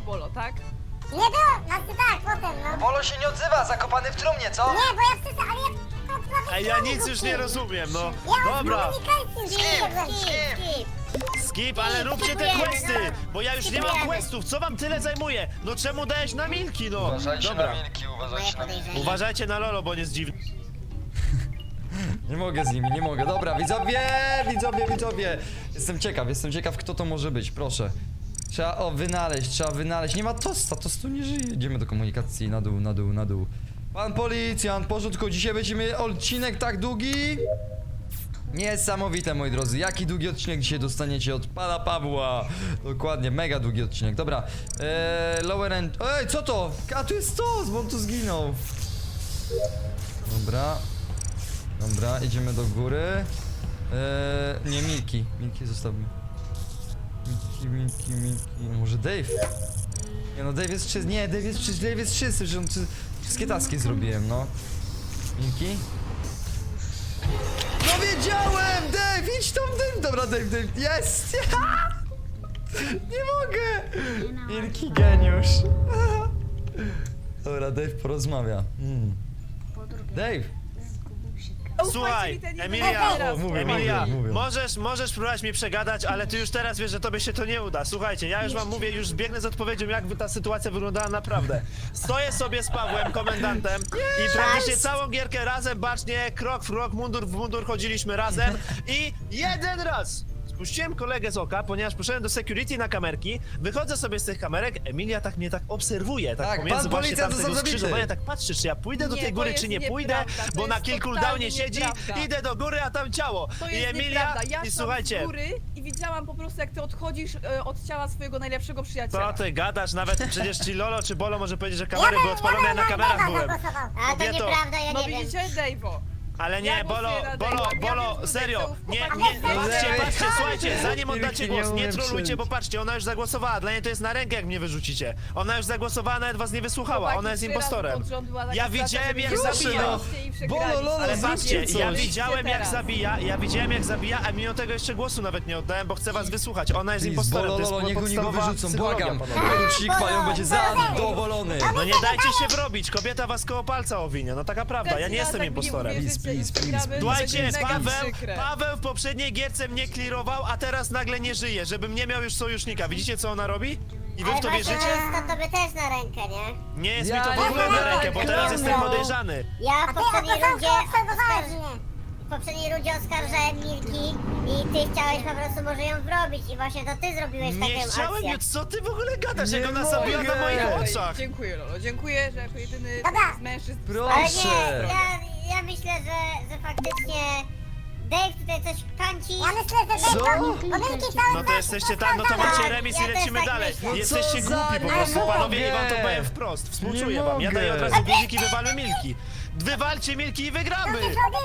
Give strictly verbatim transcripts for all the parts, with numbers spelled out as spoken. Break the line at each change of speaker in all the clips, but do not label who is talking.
Bolo, tak?
Nie było, znaczy tak, potem no.
Bolo się nie odzywa, zakopany w trumnie, co?
Nie, bo ja wszyscy, ale ja...
Ej, ja nic już nie rozumiem, no.
Ja
Dobra,
komunikacji nie
skip.
skip, ale róbcie te questy, bo ja już nie mam questów, co wam tyle zajmuje? No czemu dajesz na Milki, no?
Uważajcie
Dobra,
na Milki, uważajcie na Milki.
uważajcie na Lolo, bo on jest dziwny.
Nie mogę z nimi, nie mogę. Dobra, widzowie, widzowie, widzowie. Jestem ciekaw, jestem ciekaw, kto to może być, proszę. Trzeba, o, wynaleźć, trzeba wynaleźć. Nie ma tosta, tost tu nie żyje. Idziemy do komunikacji, na dół, na dół, na dół. Pan policjant, porządku, dzisiaj będziemy odcinek tak długi? Niesamowite, moi drodzy. Jaki długi odcinek dzisiaj dostaniecie od pana Pawła? Dokładnie, mega długi odcinek. Dobra, eee, lower end... Ej, co to? A tu jest to, bo on tu zginął. Dobra. Dobra, idziemy do góry. Eee, nie, Milki. Milki zostawmy. Milki, Milki, Milki. Może Dave? Nie no, Dave jest czysty. Nie, Dave jest czysty, Dave jest czysty, że on czy... wszystkie taski zrobiłem, no. Milki? No wiedziałem! Dave, idź tam, Dave! Dobra, Dave, Dave, jest! Nie mogę! Milki geniusz. Dobra, Dave porozmawia. Hmm. Dave!
Słuchaj,
Ufajcie mi, ten
Emilia,
jeden raz.
O, mówię,
Emilia,
mówię, mówię.
możesz, możesz próbować mnie przegadać, ale ty już teraz wiesz, że tobie się to nie uda. Słuchajcie, ja już wam mówię, już biegnę z odpowiedzią, jak ta sytuacja wyglądała naprawdę. Stoję sobie z Pawłem, komendantem i praktycznie całą gierkę razem, bacznie, krok w krok, mundur w mundur chodziliśmy razem i jeden raz spuściłem kolegę z oka, ponieważ poszedłem do security na kamerki, wychodzę sobie z tych kamerek, Emilia tak mnie tak obserwuje, tak,
Tak,
pomiędzy
pan
właśnie
policjant
tamtego
został zabity.
skrzyżowania, tak patrzy, czy ja pójdę do
Nie,
tej
to
góry,
jest
czy nie
nieprawda,
pójdę,
to
bo na
jest
kilku
totalnie
cooldownie siedzi,
nieprawda.
idę do góry, a tam ciało.
To
I
jest
Emilia,
nieprawda. Ja
i
szłam
słuchajcie,
z góry i widziałam po prostu, jak ty odchodzisz e, od ciała swojego najlepszego przyjaciela.
co ty gadasz, nawet przecież ci Lolo czy Bolo może powiedzieć, że kamery były odpalone, ja na kamerach byłem.
A to
Kobieto.
nieprawda, ja
No
nie wiem.
widzicie, Dave'o.
Ale nie,
Ja
Bolo,
głosuję na
Bolo,
Dave'a, ja
Bolo,
wiem, że
serio,
Dave'ów
nie,
chłopaki-
nie,
Ale
patrzcie,
Dave'y-
patrzcie, słuchajcie, zanim oddacie
nie
głos, nie
umiem
trolujcie,
przejść.
bo patrzcie, ona już zagłosowała, dla niej to jest na rękę, jak mnie wyrzucicie. Ona już zagłosowała, nawet was nie wysłuchała,
Chłopaki
ona jest
trzy razy
impostorem.
pod rząd była taka
Ja
sytuacja,
widziałem,
że
jak
wy
zabija.
wygraliście i przegraliście.
Bolo, Lolo,
Ale
zróbcie
patrzcie,
coś.
ja widziałem jak
teraz.
zabija, ja widziałem jak zabija, a mimo tego jeszcze głosu nawet nie oddałem, bo chcę was wysłuchać. Ona jest
Please,
impostorem,
Bolo,
to jest
Lolo, niech go nie go
podstawowa
wyrzucą,
psychologia,
błagam.
panowie.
Porucznik Pają będzie zadowolony.
No nie dajcie się wrobić, kobieta was koło palca owinie, no taka prawda, ja nie jestem impostorem.
Please, please, please, please.
Słuchajcie, Paweł,
Przykre.
Paweł w poprzedniej gierce mnie clearował, a teraz nagle nie żyje, żebym nie miał już sojusznika. Widzicie, co ona robi? I wy w
Ale
to
właśnie
wierzycie?
jest to tobie też na rękę, nie?
Nie jest
Ja
mi to w
nie
ogóle na
mogę,
rękę, bo teraz
Klaudia.
jestem podejrzany.
Ja w A ty, a poprzedniej to rundzie zamknął obserwowałeś oskarż... mnie. W poprzedniej rundzie oskarżałem Milki i ty chciałeś po prostu może ją wrobić i właśnie to ty zrobiłeś
Nie
taką
chciałem,
akcję.
ju- co ty w ogóle gadasz,
Nie
jak ona
mogę.
zabiła na moich
Ej,
oczach?
Dziękuję, Lolo, dziękuję, że jako jedyny
Dobra.
z mężczyzn...
Ale
Proszę.
nie, ja, ja myślę, że, że faktycznie Dave tutaj coś kanci. Ja myślę, że
Co?
Pomyłki cały
No to jesteście tak, no to macie remis i
Ja też
lecimy
tak
dalej.
myślę.
No
Jesteście
co za
głupi po
nie
prostu,
mogę.
panowie, i wam to powiem wprost. Współczuję
Nie
wam, ja
mogę.
daję od razu guziki, wywalmy Milki. Wywalcie Milki i wygramy!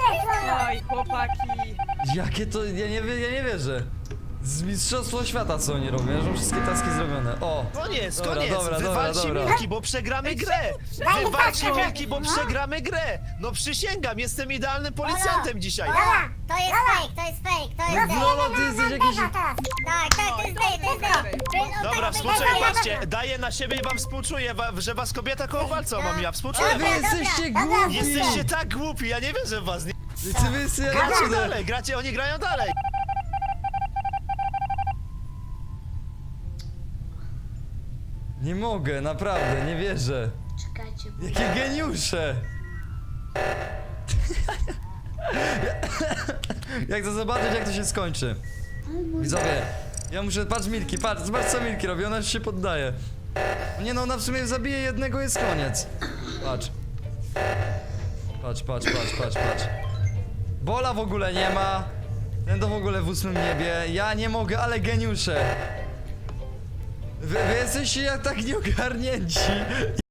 Oj, chłopaki.
Jakie to, ja nie, wie- ja nie wierzę. Z mistrzostwo świata co oni robią, ja mam wszystkie taski zrobione. O!
Koniec,
Dobra,
koniec!
dobra, dobra,
Wywalcie
dobra.
Milki, bo przegramy grę! Wywalcie Milki, bo przegramy grę! No przysięgam, jestem idealnym policjantem dzisiaj!
Dobra, to jest fake, to jest fake, to jest Dave.
Lolo, ty jesteś jakiś...
Tak, tak, to jest Dave, to jest Dave. To jest on
Dobra,
tak
współczuję,
wygląda.
patrzcie, daję na siebie i wam współczuję, wa- że was kobieta koło walca mam, ja współczuję
Wy
wam.
jesteście
dobra, dobra.
głupi!
Jesteście tak głupi, ja nie wierzę w was, nie?
Ty wy jesteście
Gracie
naprawdę...
dalej, gracie, oni grają dalej!
Nie mogę, naprawdę, nie wierzę.
Czekajcie, bo...
Jakie geniusze! Jak to zobaczyć, jak to się skończy. Widzowie, ja muszę... Patrz Milki, patrz, zobacz co Milki robi, ona już się poddaje. Nie no, ona w sumie zabije jednego, jest koniec. Patrz. Patrz, patrz, patrz, patrz, patrz. Bola w ogóle nie ma. Ten to w ogóle w ósmym niebie. Ja nie mogę, ale geniusze. Wy, wy jesteście jak tak nieogarnięci.